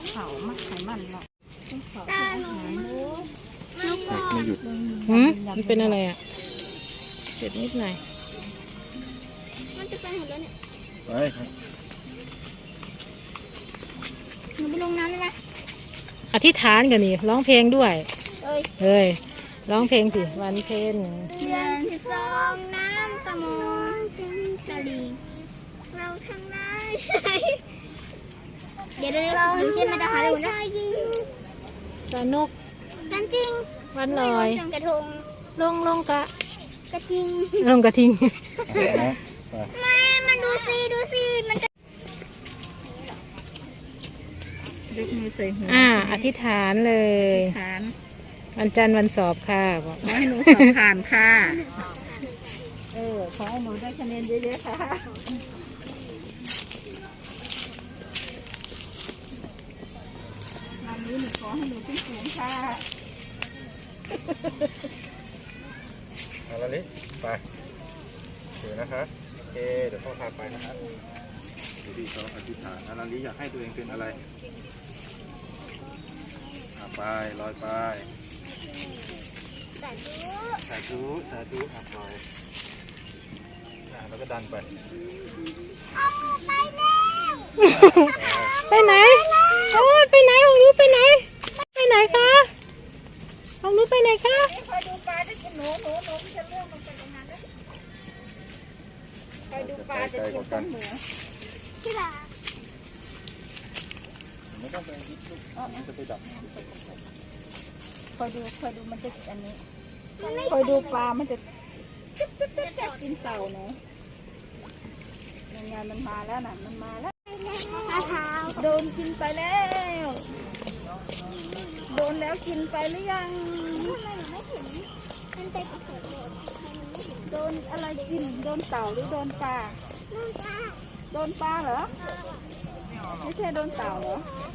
เขามักไขมันหรอกตาหนูลูกไม่หยุดมันเป็นอะไรอ่ะเจ็บนิดหน่อยมันจะไปหมดแล้วเนี่ยไปครับหนูไปลงน้ำได้ไหมอธิษฐานกันนี่ร้องเพลงด้วยเอ้ยเฮ้ยร้องเพลงสิวันเพ็ญเดือนที่สองน้ำตะมนถึงตะลิงเราทั้งนั้นใช่เดี๋ยวเราเช่นมาจะหาดูนะสนุกกันจริงวันลอยกระทงลงกะกระทิงลงกระทิงนะไปแม่มันดูสิมันจะยกมือใส่หัวอธิษฐานเลยฐานวันจันทร์วันสอบค่ะบอกขอให้หนูสอบผ่านค่ะขอให้หนูได้คะแนนเยอะๆค่ะงานนี้หนูขอให้หนูขึ้นสูงค่ะเอาละลิไปเดี๋ยวนะคะโอเคเดี๋ยวพ่อพาไปนะครับเดี๋ยวพี่เขาอธิษฐานอาลาลิอยากให้ตัวเองเป็นอะไรไปลอยไปสาธุสาธุลอยแล้วก็ดันไปไปไหนโอ้ยไปไหนของรู้ไปไหนไปไหนคะของรู้ไปไหนคะคอยดูปลาจะกินหนูจะเลื่อนลงไปตรงนั้นนะคอยดูปลาจะกินต้นเหนือที่ละไม่ต้องไปยึดลูกมันจะไปดับคอยดูมันจะอันนี้คอยดูปลามันจะกินเต่าเนาะยังไงมันมาแล้วน่ะมันมาแล้วมะพร้าวโดนกินไปแล้วโดนแล้วกินไปหรือยังทำไมหนูไม่เห็นมันไปกระสุนโดนทำไมหนูไม่เห็นโดนอะไรกินโดนเต่าหรือโดนปลานู่นจ้าโดนปลาเหรอไม่ใช่โดนเต่าเหรอเ